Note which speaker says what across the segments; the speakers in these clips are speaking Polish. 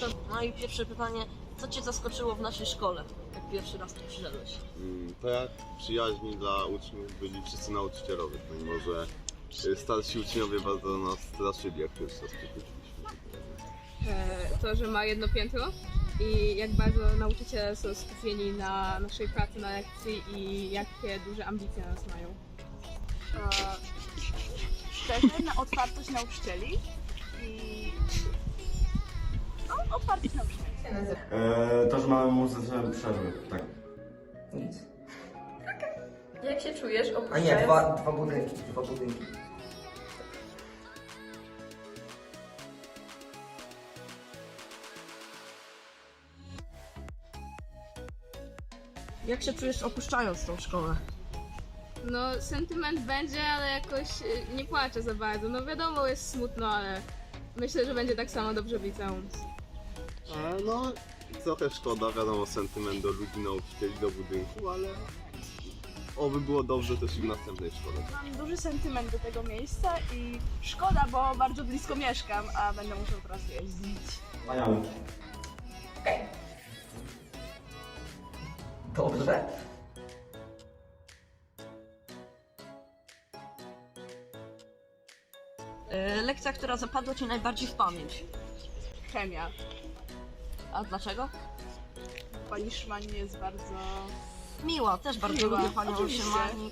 Speaker 1: No i pierwsze pytanie, co Cię zaskoczyło w naszej szkole, jak pierwszy raz tu przyszedłeś?
Speaker 2: To jak przyjaźni dla uczniów byli wszyscy nauczycielowie, pomimo że starsi uczniowie bardzo nas straszyli, jak pierwszy raz przychodziliśmy.
Speaker 3: To, że ma jedno piętro i jak bardzo nauczyciele są skupieni na naszej pracy na lekcji i jakie duże ambicje nas mają.
Speaker 4: Szczerze, na otwartość nauczycieli i otwartość nauczycieli.
Speaker 5: To, że mamy muzyczne przerwy, tak.
Speaker 6: Nic.
Speaker 7: Jak się czujesz
Speaker 6: A
Speaker 7: opuszczając...
Speaker 6: nie, dwa budynki.
Speaker 1: Jak się czujesz opuszczając tą szkołę?
Speaker 3: No, sentyment będzie, ale jakoś nie płaczę za bardzo. No wiadomo, jest smutno, ale myślę, że będzie tak samo dobrze w liceum.
Speaker 2: No, trochę szkoda, wiadomo, sentyment do ludzi, nauczycieli, do budynku, ale oby było dobrze też i w następnej szkole.
Speaker 4: Mam duży sentyment do tego miejsca i szkoda, bo bardzo blisko mieszkam, a będę musiał teraz jeździć.
Speaker 5: Wspaniale.
Speaker 6: Dobrze.
Speaker 1: Lekcja, która zapadła Ci najbardziej w pamięć.
Speaker 4: Chemia.
Speaker 1: A dlaczego?
Speaker 4: Pani Szymani jest bardzo...
Speaker 1: Miła, też bardzo
Speaker 4: Miła,
Speaker 1: lubię Panią
Speaker 4: oczywiście.
Speaker 1: Szymani.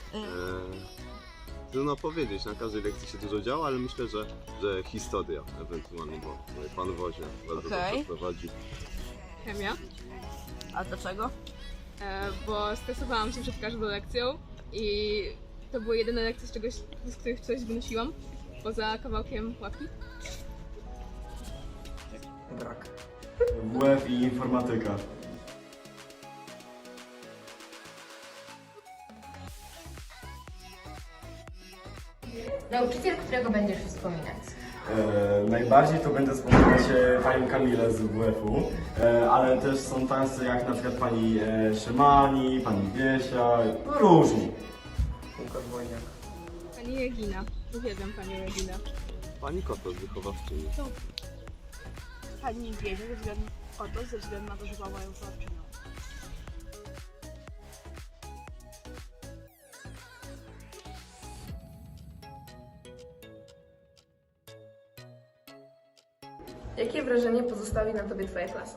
Speaker 2: Trudno powiedzieć, na każdej lekcji się dużo działo, ale myślę, że historia ewentualnie, bo pan Wozie bardzo
Speaker 1: Okej.
Speaker 2: dobrze prowadzi.
Speaker 3: Chemia,
Speaker 1: A dlaczego?
Speaker 3: bo stresowałam się przed każdą lekcją i to były jedyne lekcje, z których coś wnosiłam, poza kawałkiem łapki.
Speaker 6: Brak.
Speaker 5: WF i informatyka.
Speaker 7: Nauczyciel, którego będziesz wspominać?
Speaker 5: Najbardziej to będę wspominać panią Kamilę z WF-u, ale też są tacy jak na przykład pani Szymani, pani Wiesia, no różni.
Speaker 6: Łukasz Wojniak.
Speaker 3: Pani Regina. Uwielbiam Panią Reginę.
Speaker 2: Pani Kotos, wychowawczyni.
Speaker 4: Pani wie, ze względu na to, że była moją wychowawczynią.
Speaker 7: Jakie wrażenie pozostawi na tobie twoja klasa?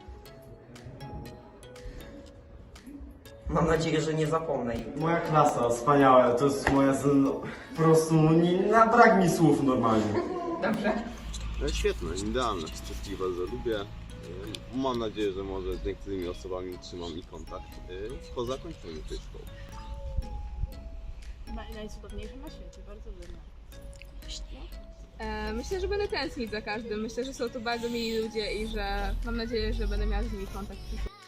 Speaker 6: Mam nadzieję, że nie zapomnę jej.
Speaker 5: Moja klasa, wspaniała, to jest moja, po prostu na brak mi słów normalnie.
Speaker 7: Dobrze.
Speaker 2: Świetne, idealne, wszystkich bardzo lubię. Mam nadzieję, że może z niektórymi osobami trzymam i kontakt po zakończeniu tej szkoły.
Speaker 4: Najcudowniejsze na świecie, bardzo lubię.
Speaker 3: Myślę, że będę tęsknić za każdym. Myślę, że są to bardzo mili ludzie i że mam nadzieję, że będę miała z nimi kontakt w przyszłości.